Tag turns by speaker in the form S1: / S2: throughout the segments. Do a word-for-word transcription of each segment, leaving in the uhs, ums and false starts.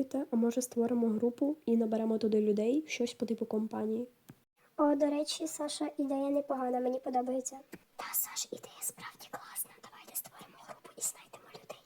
S1: чуєте, а може створимо групу і наберемо туди людей, щось по типу компанії.
S2: О, до речі, Саша, ідея непогана, мені подобається. Та, Саш, ідея справді класна. Давайте створимо групу і знайдемо людей.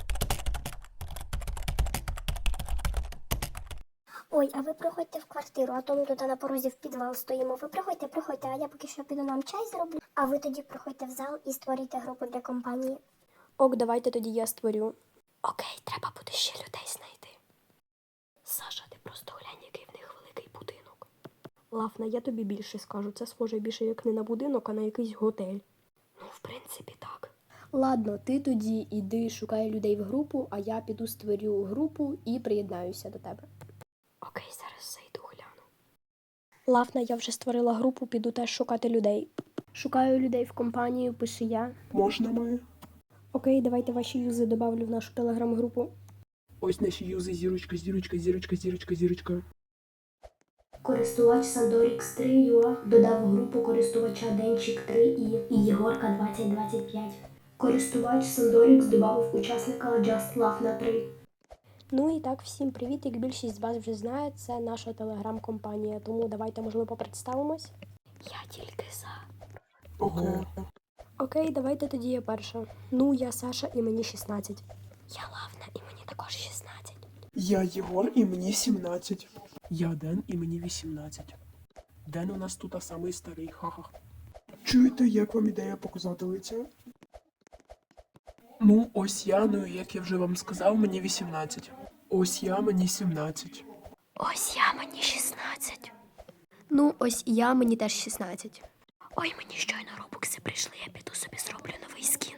S2: Ой, а ви проходьте в квартиру, а то ми тут на порозі в підвал стоїмо. Ви проходьте, проходьте, а я поки що піду нам чай зроблю. А ви тоді проходьте в зал і створюйте групу для компанії.
S1: Ок, давайте тоді я створю. Окей, треба буде ще людей знайти. Саша, ти просто глянь, який в них великий будинок. Лафна, я тобі більше скажу, це схоже більше як не на будинок, а на якийсь готель. Ну, в принципі, так. Ладно, ти тоді іди шукай людей в групу, а я піду створю групу і приєднаюся до тебе. Окей, зараз зайду гляну. Лафна, я вже створила групу, піду теж шукати людей. Шукаю людей в компанію, пише я.
S3: Можна ми?
S1: Окей, давайте ваші юзи добавлю в нашу телеграм-групу.
S3: Ось наші юзи, зірочка, зірочка, зірочка, зірочка, зірочка.
S1: Користувач Сандорікс три ю а додав в групу користувача Денчик три і і Єгорка двадцять двадцять п'ять. Користувач Сандорікс додав учасника Just Laugh на три. Ну і так, всім привіт, як більшість з вас вже знає, це наша телеграм-компанія, тому давайте, можливо, представимось. Я тільки за.
S3: Окей.
S1: Окей, давайте тоді я перша. Ну, я Саша і мені шістнадцять. Я Лавна і мені також шістнадцять.
S3: Я Єгор і мені сімнадцять. Я Ден і мені вісімнадцять. Ден у нас тут а самий старий, ха-ха. Чуєте, як вам ідея показати лиця? Ну, ось я, ну як я вже вам сказав, мені вісімнадцять. Ось я, мені сімнадцять.
S1: Ось я, мені шістнадцять. Ну, ось і я, мені теж шістнадцять. Ой, мені щойно робокси прийшли, я піду собі зроблю новий скін.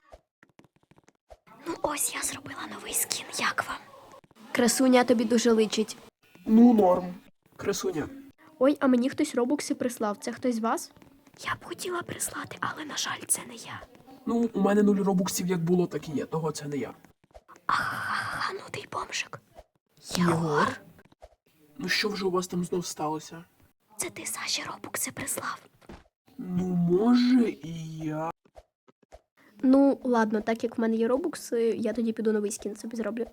S1: Ну, ось я зробила новий скін, як вам? Красуня тобі дуже личить.
S3: Ну, норм. Красуня.
S1: Ой, а мені хтось робокси прислав, це хтось з вас? Я б хотіла прислати, але, на жаль, це не я.
S3: Ну, у мене нуль робуксів як було, так і є, того це не я.
S1: Ага, ну ти бомжик.
S3: Єгор? Ну що вже у вас там знов сталося?
S1: Це ти Саші робокси прислав.
S3: Ну, може, і я.
S1: Ну, ладно, так як в мене є робокси, я тоді піду новий скін собі зроблю.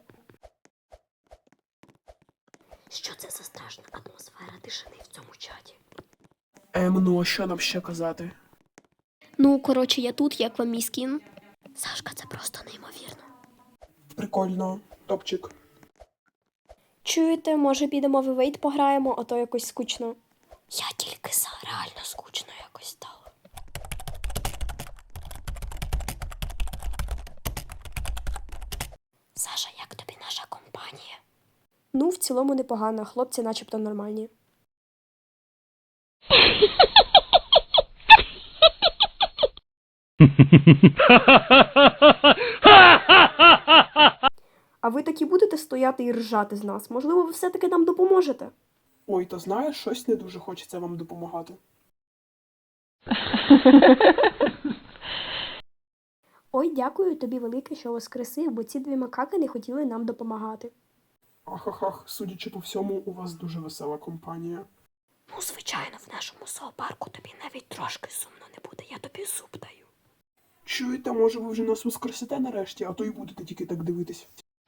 S1: Що це за страшна атмосфера тишини в цьому чаті?
S3: Ем, ну а що нам ще казати?
S1: Ну, коротше, я тут, як вам мій скін. Сашка, це просто неймовірно.
S3: Прикольно. Топчик.
S1: Чуєте, може підемо в Evade пограємо, а то якось скучно. Я тільки за, реально скучно якось стало. Саша, як тобі наша компанія? Ну, в цілому непогано, хлопці начебто нормальні. А ви таки будете стояти і ржати з нас? Можливо, ви все-таки нам допоможете?
S3: Ой, то знаєш, щось не дуже хочеться вам допомагати.
S1: Ой, дякую тобі велике, що воскресив, бо ці дві макаки не хотіли нам допомагати.
S3: Ахахах, судячи по всьому, у вас дуже весела компанія.
S1: Ну, звичайно, в нашому зоопарку тобі навіть трошки сумно не буде, я тобі зуб даю.
S3: Чуєте, може ви вже нас воскресите нарешті, а то й будете тільки так дивитись.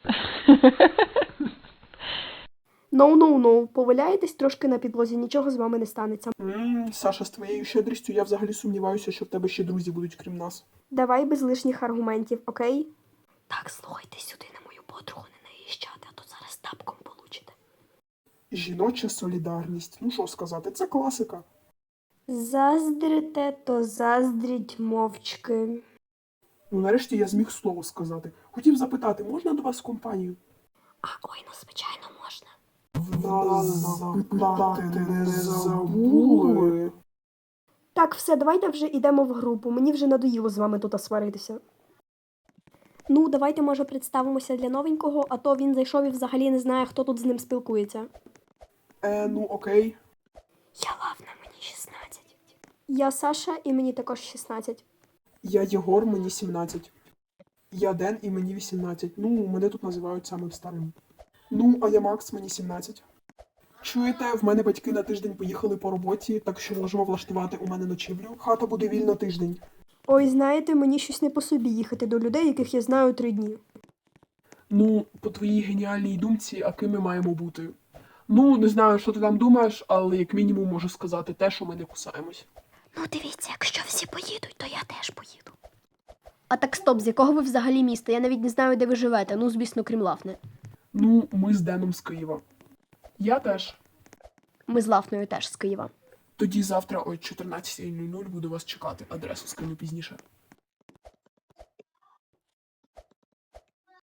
S1: Ноу-ноу-ноу, поваляєтесь трошки на підлозі, нічого з вами не станеться.
S3: Ммм, Саша, з твоєю щедрістю я взагалі сумніваюся, що в тебе ще друзі будуть крім нас.
S1: Давай без лишніх аргументів, окей? Так, слухайте сюди на мою подругу не наїжджати, а то зараз тапком получите.
S3: Жіноча солідарність. Ну що сказати, це класика.
S1: Заздрите, то заздріть мовчки.
S3: Ну нарешті я зміг слово сказати. Хотів запитати, можна до вас в компанію?
S1: А, ой, ну звичайно можна.
S3: Нас запитати не забули.
S1: Так, все, давайте вже йдемо в групу. Мені вже надоїло з вами тут сваритися. Ну, давайте, може, представимося для новенького, а то він зайшов і взагалі не знає, хто тут з ним спілкується.
S3: Е, ну окей.
S1: Я Лавна, мені шістнадцять. Я Саша, і мені також шістнадцять.
S3: Я Єгор, мені сімнадцять. Я Ден і мені вісімнадцять. Ну, мене тут називають самим старим. Ну, а я Макс, мені сімнадцять. Чуєте, в мене батьки на тиждень поїхали по роботі, так що можемо влаштувати у мене ночівлю. Хата буде вільна тиждень.
S1: Ой, знаєте, мені щось не по собі їхати до людей, яких я знаю три дні.
S3: Ну, по твоїй геніальній думці, а ким ми маємо бути? Ну, не знаю, що ти там думаєш, але як мінімум можу сказати те, що ми не кусаємось.
S1: Ну, дивіться, якщо всі поїдуть, то я теж поїду. А так стоп, з якого ви взагалі міста? Я навіть не знаю, де ви живете. Ну, звісно, крім Лафни.
S3: Ну, ми з Деном з Києва. Я теж.
S1: Ми з Лафною теж з Києва.
S3: Тоді завтра о чотирнадцятій нуль нуль буду вас чекати. Адресу скину пізніше.